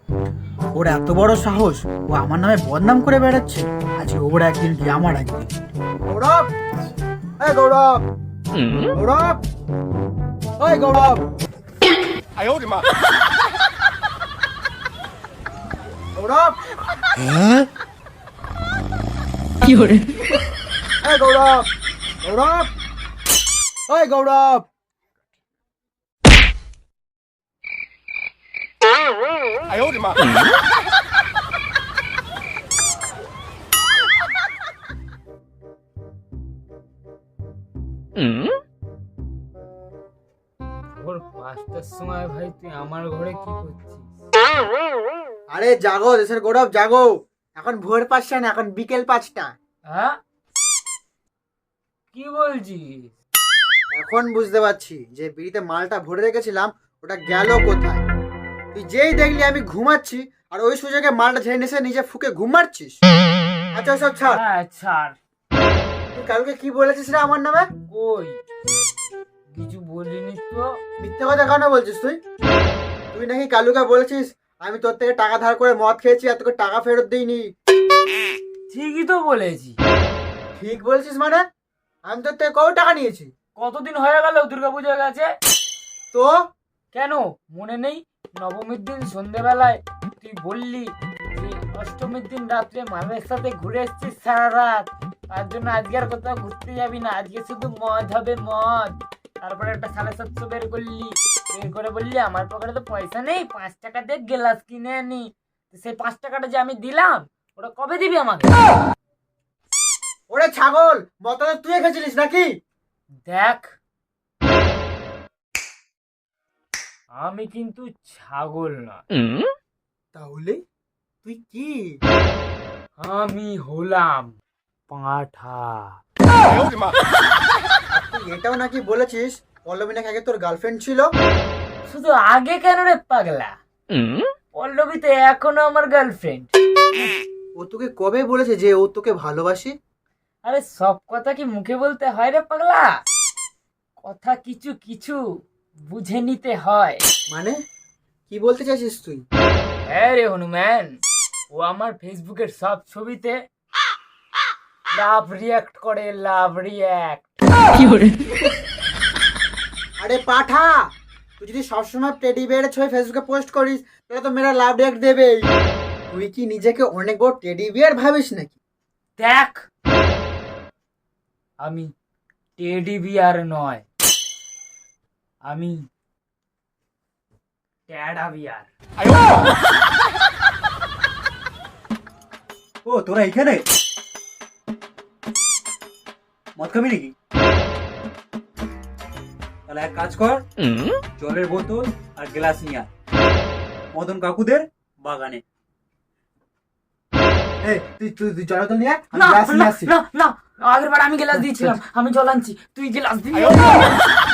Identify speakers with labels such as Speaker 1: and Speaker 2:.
Speaker 1: ওর এত বড় সাহস, ও আমার নামে বদনাম করে বেড়াচ্ছে। আজকে ওর একদিন কি আমার একদিন। গৌরব, এই গৌরব, গৌরব, ওই গৌরব, গৌরব,
Speaker 2: কি করে?
Speaker 1: এই গৌরব, গৌরব, ওই গৌরব।
Speaker 3: ভোর 5টার সময় ভাই তুই আমার ঘরে কি করছিস?
Speaker 1: আরে জাগো দেশের গৌরব, জাগো। এখন ভোর 5টা না, এখন বিকেল 5টা।
Speaker 3: হ্যাঁ, কি বলছিস?
Speaker 1: এখন বুঝতে পারছি যে বিড়িতে মালটা ভরে রেখেছিলাম, ওটা গেল কোথায়। তুই যেই দেখলি আমি ঘুমাচ্ছি, আর ওই সুযোগে মালটা ঝেড়ে নিয়ে এসে নিজে ফুকে ঘুম মারছিস। আচ্ছা সব ছাড়,
Speaker 3: হ্যাঁ ছাড়।
Speaker 1: তুই কালকে কি বলেছিস রে আমার নামে?
Speaker 3: কই কিছু বলিনি তো।
Speaker 1: মিথ্যে কথা কেন বলছিস তুই? তুই নাকি কালুকে বলেছিস আমি তোর থেকে টাকা ধার করে মদ খেয়েছি আর তোকে টাকা ফেরত দিইনি।
Speaker 3: ঠিকই তো বলেছি।
Speaker 1: ঠিক বলছিস মানে? আমি তোর থেকে কত টাকা নিয়েছি?
Speaker 3: কতদিন হয়ে গেল দুর্গাপুজো গেছে?
Speaker 1: তো
Speaker 3: কেন মনে নেই? নবমীর দিন সন্ধেবেলায় তুই বললি যে অষ্টমীর দিন রাত্রে মামের সাথে ঘুরে এসছিস সারা রাত, তার জন্য আজকে আর কোথাও ঘুরতে যাবি না, আজকে শুধু মদ হবে মদ। তারপরে একটা 750 বের করলি, বের করে বললি আমার পকেটে তো পয়সা নেই, 5 টাকা দিয়ে গ্লাস কিনে আনি। তো সেই 5 টাকাটা যে আমি দিলাম, ওটা কবে দিবি আমাকে?
Speaker 1: ওরে ছাগল, মদটা তুই খেয়েছিলিস নাকি?
Speaker 3: দেখ, আমি কিন্তু ছাগল না।
Speaker 1: তাহলে তুই কি?
Speaker 3: আমি হলাম পাঁঠা।
Speaker 1: তুই এটাও নাকি বলেছিস পল্লবী নাকি আগে তোর গার্লফ্রেন্ড ছিল?
Speaker 3: শুধু আগে কেন রে পাগলা? পল্লবী তো এখনো আমার গার্লফ্রেন্ড।
Speaker 1: ও তোকে কবে বলেছে যে ও তোকে ভালোবাসে?
Speaker 3: আরে সব কথা কি মুখে বলতে হয় রে পাগলা? কথা কিছু কিছু বুঝে নিতে হয়।
Speaker 1: মানে কি বলতে চাইছিস তুই?
Speaker 3: হ্যাঁ রে হনুমান, ও আমার ফেসবুকের সব ছবিতে লাভ রিয়াক্ট করে, লাভ রিয়াক্ট।
Speaker 2: কি করে?
Speaker 1: আরে পাঠা, তুই যদি সবসময় টেডি বিয়ারের ছবি ফেসবুকে পোস্ট করিস তাহলে তো মেয়েরা লাভ রিঅ্যাক্ট দেবেই। তুই কি নিজেকে অনেক বড় টেডি বিয়ার ভাবিস নাকি?
Speaker 3: দেখ, আমি টেডি বিয়ার নয়, আমি ট্যাডা বিয়ার।
Speaker 1: ও তোরা এখানে মদ খাবি নাকি? তাহলে এক কাজ কর, জলের বোতল আর গ্লাস নিয়ে আয় মদন কাকুদের বাগানে। এই তুই তুই তুই জলের বোতল নিয়ে আয়, আমি
Speaker 3: না
Speaker 1: গ্লাস নিয়ে
Speaker 3: না
Speaker 1: আসছি।
Speaker 3: না না, আগের বার আমি গ্লাস দিয়েছিলাম, আমি জল আনছি, তুই গ্লাস দিবি।